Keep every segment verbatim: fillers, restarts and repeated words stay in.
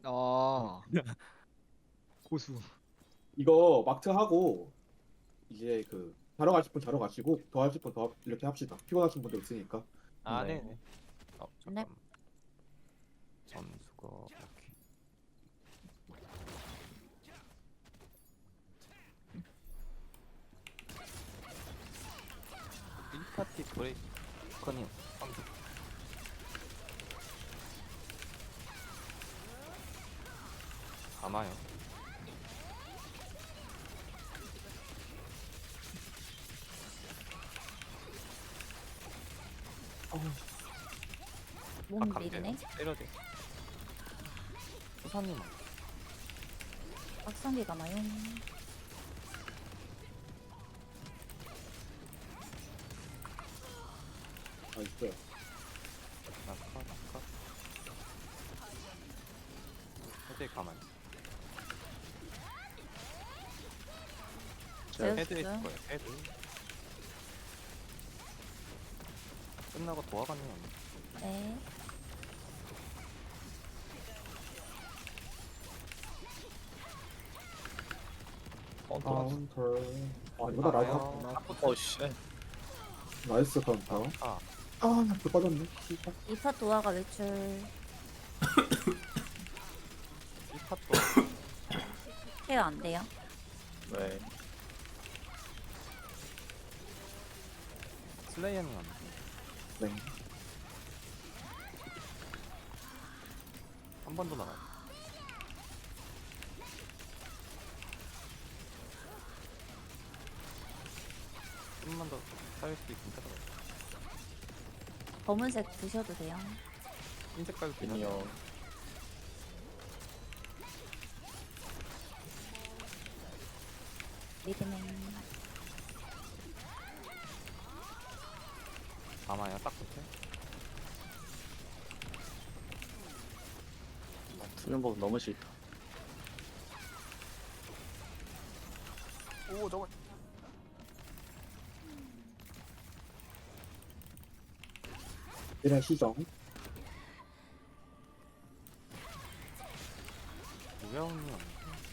아 고수. 이거 막트 하고 이제 그 자러 가실 분 자러 가시고 더 하실 분 더 이렇게 합시다. 피곤하신 분들 있으니까. 아, 네. 네네. 어, 네. 잠깐. 점수가 이렇게. 일 파티 브레이커님 선수. 아마요. 몸 아, 밀네. 강제요. 때려대. 수사님. 박성기가 마요. 아 있어요. 나카 나카. 헤드 가만. 제우스. 헤드 있을 거예요. 헤드. 끝나고 도와가는 건 네. 카운터. 카운터. 아 이거다 라이트. 나와요. 어씨. 나이스 카운터. 아, 아나불 빠졌네. 씨발. 이파 도화가 외출. 일 파도 케어 안 돼요. 네. 슬레이어는 안 돼. 네. 한 번 더 나가요. 좀만 더 쌓일 수 있으니까 더. 검은색 드셔도 돼요. 흰색 깔고 미니어. 리드맨. 아마야 딱 붙어. 투명복 너무 싫다. 오, 저거. 이런 시정. 우야운이 없네.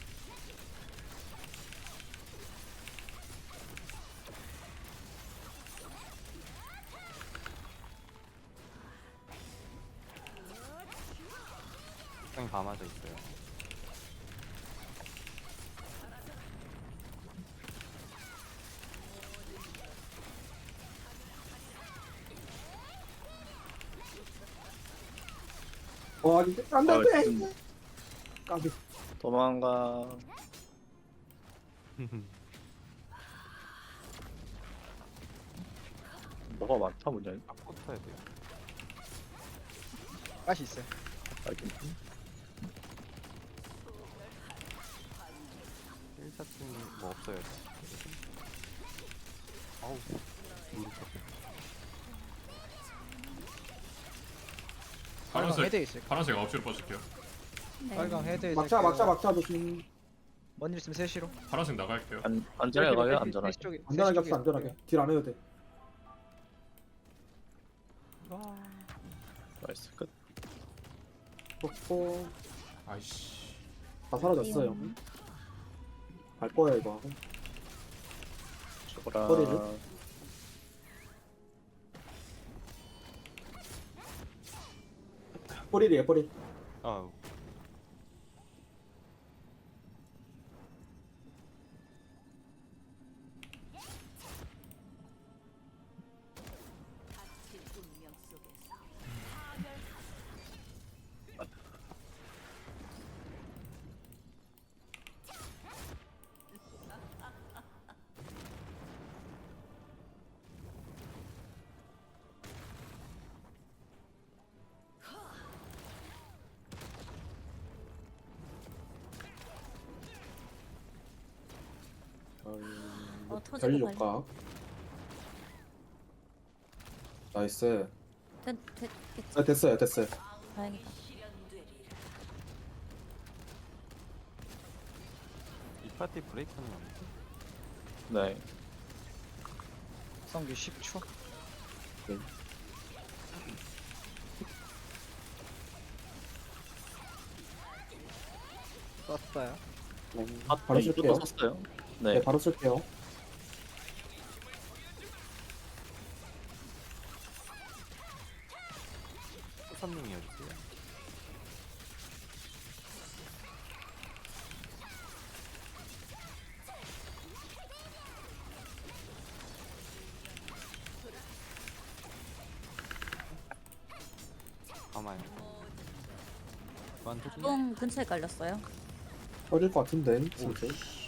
굉장히 다 맞아 있어요. 와 이제 안돼 아, 안돼. 지금 까비. 도망가. 뭐가 많다 문제는. 딱 붙어야 돼요. 가시 있어요. 알긴. 힐샷팀이 뭐 없어요. 아우, 모르겠어. 빨강 파란색 헤드 있어요. 파란색 아홉 시로 빠질게요. 네. 빨강 헤드. 막차 막차 막차 조심. 뭔일 있으면 셋시로. 파란색 나갈게요. 안 안전하게 가요 안전하게. 안전하게 합시다 안전하게. 딜 안 해도 돼. 나이스 끝. 뽀뽀. 아이씨. 다 사라졌어요. 갈 거야 이거 하고. 저거라. 허리를? 뿌리리에 뿌리. 아우. 어, 터지고 별 발려. 효과. 나이스. 됐, 됐, 됐. 아, 됐어요 됐어요. 다행이다. 이 파티 브레이크는 안 돼. 네. 성기 십 초. 썼어요. 네. 아, 바로 네, 이것도 쓸게요. 썼어요. 네. 네. 바로 쓸게요. 수선님이었어요. 가만히. 완전 똥 근처에 깔렸어요. 터질 것 같은데. 진짜.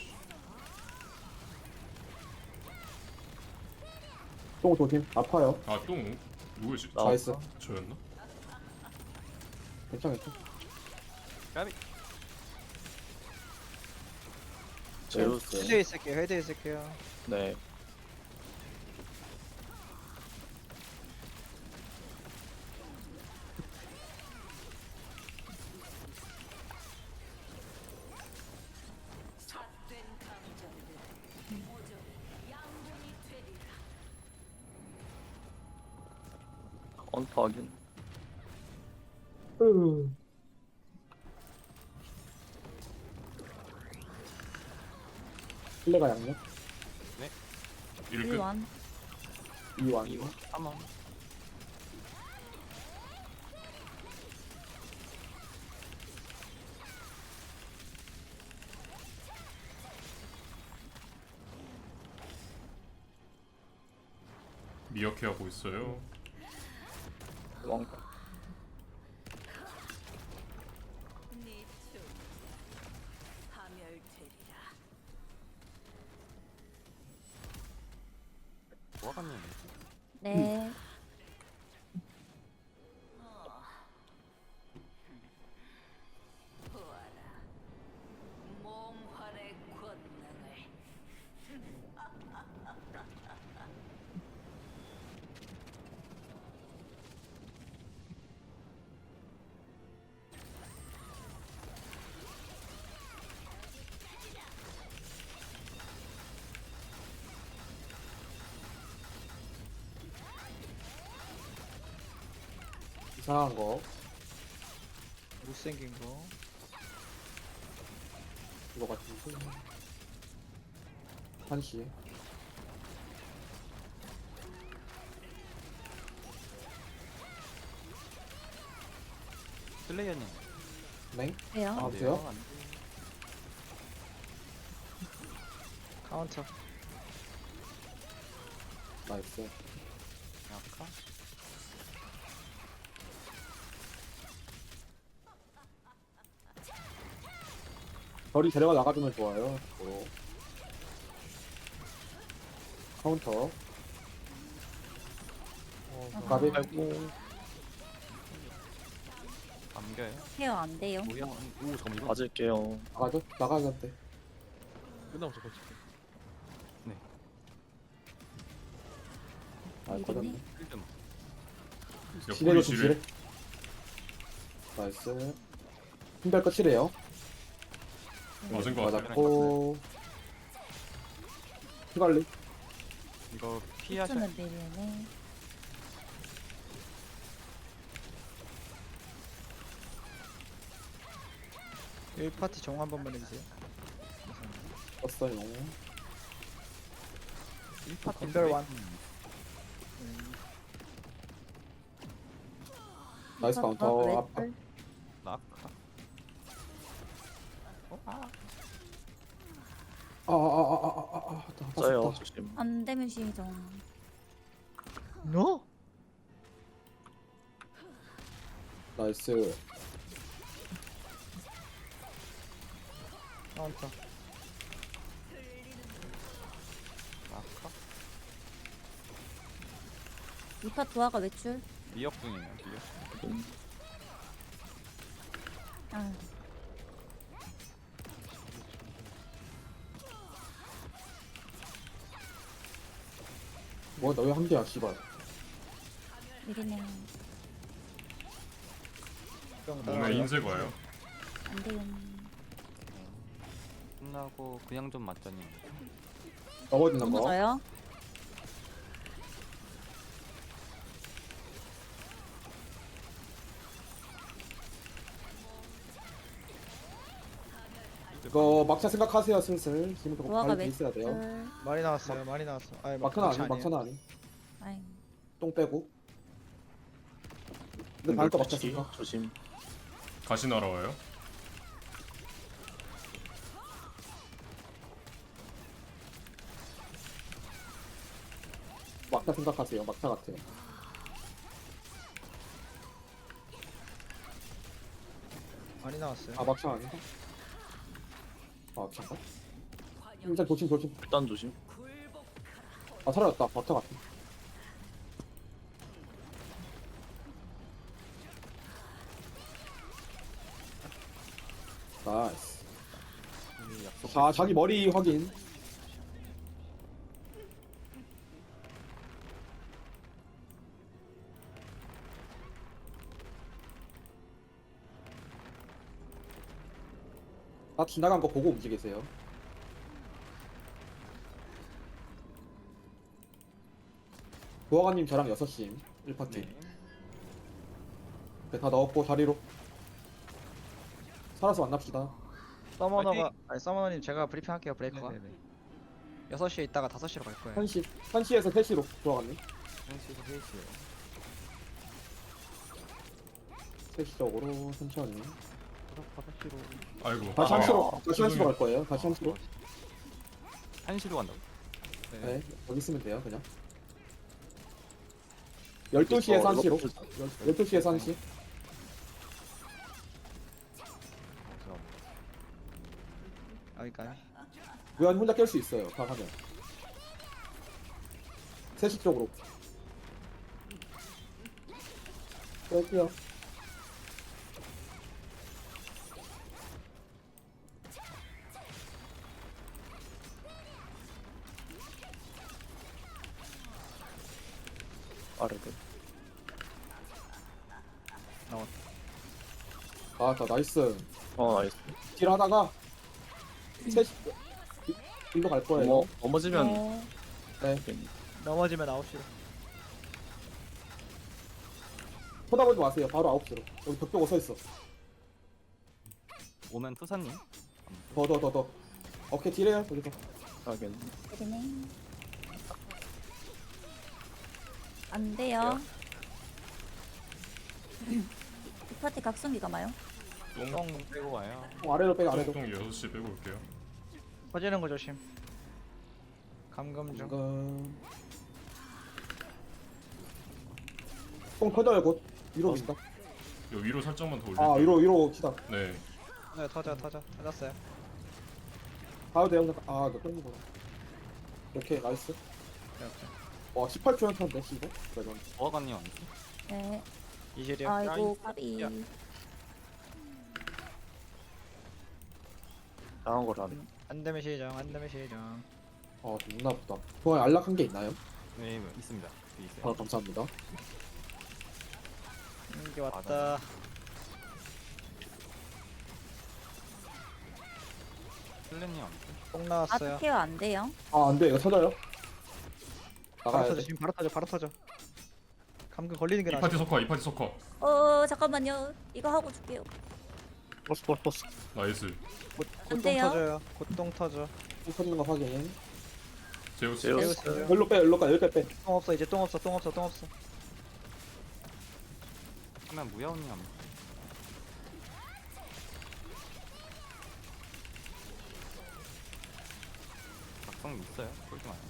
똥 조심. 아파요. 아똥 누구지? 나- 나이스. 저였나? 괜찮아, 괜찮아. 까비. 제우스. 헤드에 있을게요. 헤드에 있을게요. 네. 카운터 확인. 플레가 양력. 일 끝. 일완. 이완. 이거 삼원. 미어케 하고 있어요. 왕. 뭐가면 네. 몽환의 권능을 이상한 거. 못생긴 거. 이거 같은데. 한시. 슬레이어님. 네. 해요. 아, 안 돼요? 안 돼. 카운터. 나이스. 약간. 별이 데려가 나가주면 좋아요. 로 카운터. 아하. 가비. 아이고. 감겨요. 케어 안 돼요. 모양. 오 잠깐 이거. 맞을게요. 나가죠? 나가는데. 끝나고 저거. 네. 아, 이리네. 꺼졌네. 필드. 야, 지뢰로 보리 좀 지뢰. 지뢰. 나이스. 힘들 끝이래요. 맞은 거 같아. 맞았고. 피관리. 이거 피하셔. 는 내리네. 일 파티 정화 한 번만 해주세요. 떴어요. 일 파티 건별 완. 나이스 아, 카운터. 왜 앞, 앞. 털? 낙하. 어? 아. 아, 아, 아, 아, 아, 아, 아, 나 써요. 떴다. 조심. 안 되면 시정. 너? 나이스. 카운터. 낙하. 이파 도화가 외출. 미역분이에요. 미역. 음, 아, 뭐, 너 왜 한 개야, 씨발. 이리네. 몸에 인쇄 봐요. 안 돼요. 끝나고 그냥 좀 맞자니. 넘어지는 거. 넘어져요. 이거 막차 생각하세요 슬슬. 지금부터 도화가 발이 몇 있어야 돼요. 줄? 많이 나왔어요. 많이 나왔어. 아니 막차는 아니, 아니에요. 막차는 아니. 아이, 똥 빼고. 근데 다음 거 막차 치 생각. 조심. 가시 날아와요. 막차 생각하세요. 막차 같아. 많이 나왔어요. 아 막차 아닌가? 아 막차인가? 일단 조심 조심. 일단 조심. 아 사라졌다. 막차 같아. 나이스. 우리 약속. 자 자기 머리 확인. 다 지나간 거 보고 움직이세요. 도화관님 저랑 여섯 시 일 파티. 네. 네, 다 넣었고 자리로. 살아서 만납시다. 서머너가 아니 서머너님 제가 브리핑 할게요. 브레이커가. 네네네. 여섯 시에 있다가 다섯 시로 갈 거예요. 한 시, 한 시에서 세 시로 도화관님. 한시도 셋이에요. 세 시 쪽으로 천천히. 다섯 시로. 아이고. 다시 아, 한 시로, 다시 한 시로 죄송해요. 갈 거예요. 다시 한 시로. 한시로 간다고? 네, 여기 있으면 돼요, 그냥. 열두 시에서 한 시로. 열두 시에서 한 시. 어, 여기까지. 무한 혼자 깰 수 있어요, 다 하면. 세 시 쪽으로. 깰게요. 아래들. 아, 자, 나이스. 어 나이스. 딜 하다가 세 시, 일로 갈 거예요. 넘어 넘어지면 어, 되겠네. 넘어지면 아홉 시로. 쳐다보지 마세요. 바로 아홉 시로. 여기 벽 보고 서 있어. 오면 투사님. 더, 더, 더, 더. 오케이, 딜해요, 여기서. 하긴. 네네. 안 돼요. 이 파티 각성기가 마요? 똥, 똥 빼고 와요. 어, 아래로 빼고, 아래로. 똥 여섯 시 빼고 올게요. 퍼지는 거 조심. 감금 중. 지금. 똥 터져요, 곧. 위로 민다. 요 위로 살짝만 더 올릴게요. 아, 위로, 위로 치다. 네. 네, 터져 터져. 터졌어요. 가도 돼요, 그냥. 아, 너 땡기구나. 이렇게, 나이스. 네, 오케이. 와, 십팔 초 연타인데, 씨발. 그래, 보아관님 아니지? 네. 이질이요. 아이고 까비. 야. 나간 거라네. 안 되면 시정. 안 되면 시정. 아, 존나 아프다. 좋아요, 안락한 게 있나요? 네, 있습니다. 뒤에 아, 있어요. 감사합니다. 이게 왔다. 슬래님 아니지? 똥 나왔어요. 아트 케어 안 돼요. 아, 안 돼, 이거 터져요. 바로 나가야 터져. 돼. 지금 바로 터져. 바로 터져. 감금 걸리는 게 이 나아. 파티 석화, 이 파티 석화. 어 잠깐만요. 이거 하고 줄게요. 버스 버스 버스. 나이스. 곧 안 똥 돼요. 터져요. 곧 똥 터져. 똥 터지는 거 확인. 제우스. 제우스. 제우스. 열로 빼, 열로 빼, 여기까지 빼. 똥 없어. 이제 똥 없어. 똥 없어. 똥 없어. 하면 무야원님 아니지? 각성 있어요? 쫄지 마요.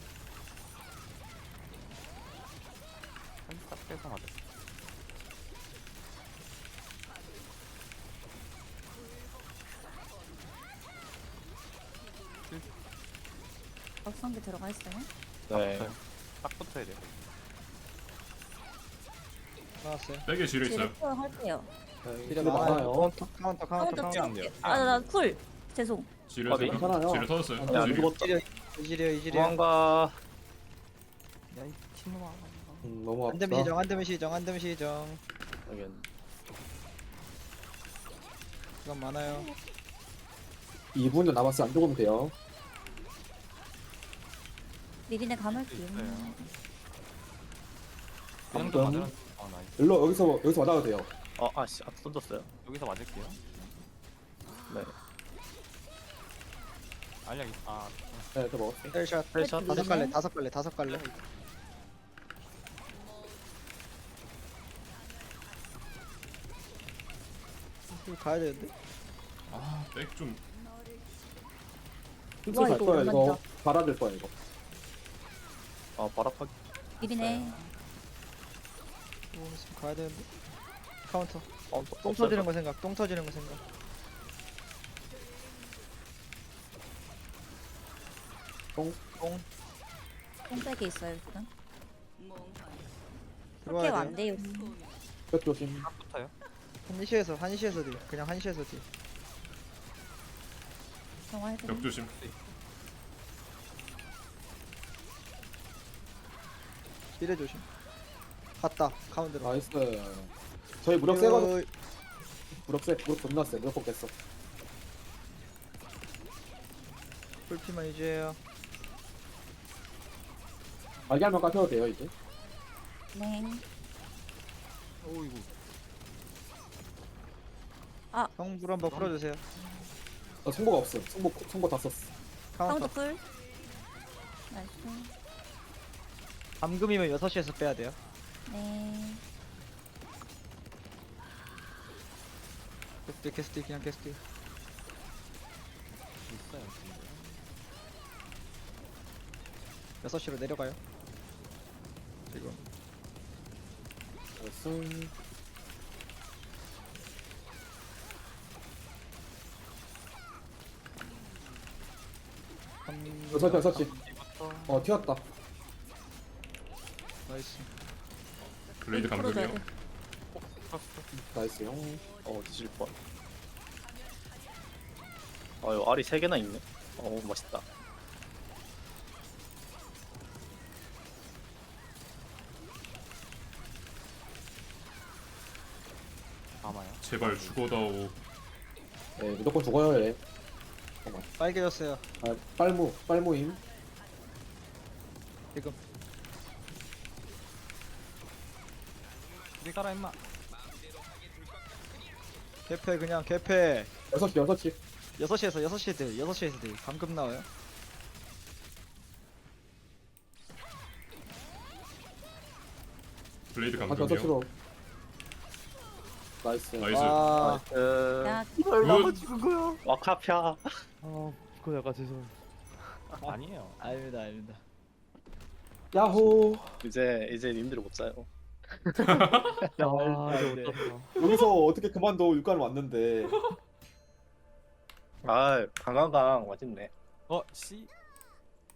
한딱 빼서 맞아. 각성기 들어가 있어요. 네. 붙어요. 딱 붙어야 돼요. 나왔어요. 백에 지뢰 있어요. 뒤로 케어 할게요. 네, 딜이 딜 많아요. 많아요. 카운터 카운터 카운터 카운터. 안 돼요. 아나쿨 죄송. 지뢰 아, 네, 지금 괜찮아요. 지뢰 터졌어요. 아, 야, 안 지뢰. 죽었다. 이질이요. 이질이요. 이질이요. 도망가. 야이 친놈아. 음, 너무 안 되면 아프다. 시정. 안 되면 시정. 안 되면 시정. 하긴. 이건 많아요. 이 분은 남았어요. 안 죽으면 돼요. 미리네 감을게요. 있어요. 그냥 방금. 좀 맞으면. 아 나이스. 일로, 여기서, 여기서 맞아도 돼요. 어 아씨 아 던졌어요. 여기서 맞을게요. 네. 알약 있. 아 네, 저 먹었어. 헬샷 헬샷. 다섯 갈래 다섯 갈래 다섯 갈래. 이거 가야 되는데. 아백좀 힘써 와, 갈 이거 거야 이거. 오랜만이다. 갈아줄 거야 이거. 아 바락하기. 미리네. 오, 지금 가야 되는데. 카운터. 어, 똥 터지는 거 생각. 똥 터지는 거 생각. 똥. 똥 똥백이 있어요 일단. 그렇게 들어와야 안 돼요. 돼요. 백 조심. 딱부터요. 한시에서 한시에서 딜. 그냥 한시에서 딜. 정화해 드 벽 조심. 딜해 조심. 갔다. 가운데로. 나이스. 저희 무력 세거든. 요- 무력 세. 무력 존나 세. 무력 뽑겠어. 풀피만 유지해요. 알갈만 까셔도 돼요 이제. 네. 오 이거. 성불 한번 풀어주세요. 나 송보가 없음. 송보 송보 다 썼어. 카운터. 카운터 쿨. 나이스. 감금이면 여섯 시에서 빼야 돼요. 네. 캐스트 캐스트 그냥 캐스트. 있어요. 근데. 여섯 시로 내려가요. 지금. 나이스. 감... 여섯 시 여섯 시. 이부터. 어 튀었다. 나이스. 블레이드 풀어줘야 감금이요. 돼. 나이스 형. 어 뒤질 뻔. 아유 알이 세 개나 있네. 어 멋있다. 아마요. 제발 죽어다오. 네 무조건 죽어요 얘. 잠깐만. 빨개졌어요. 아 빨무 빨무임. 지금. 우리 가라 임마. 개패 그냥 개패. 여섯 시 여섯 시. 여섯 시에서 여섯 시에 돼. 여섯 시에서 돼. 감금 나와요. 블레이드 아 여섯 감금이요. 시로. 나이스. 나이스. 아, 그 야, 굿. 와카피아. 그거 약간 죄송. 아니에요. 아닙니다, 아닙니다. 야호. 이제 이제 님들이 못 자요. 아, 네. 여기서 어떻게 그만둬 육관 왔는데. 아 강강강 맛있네. 어 씨.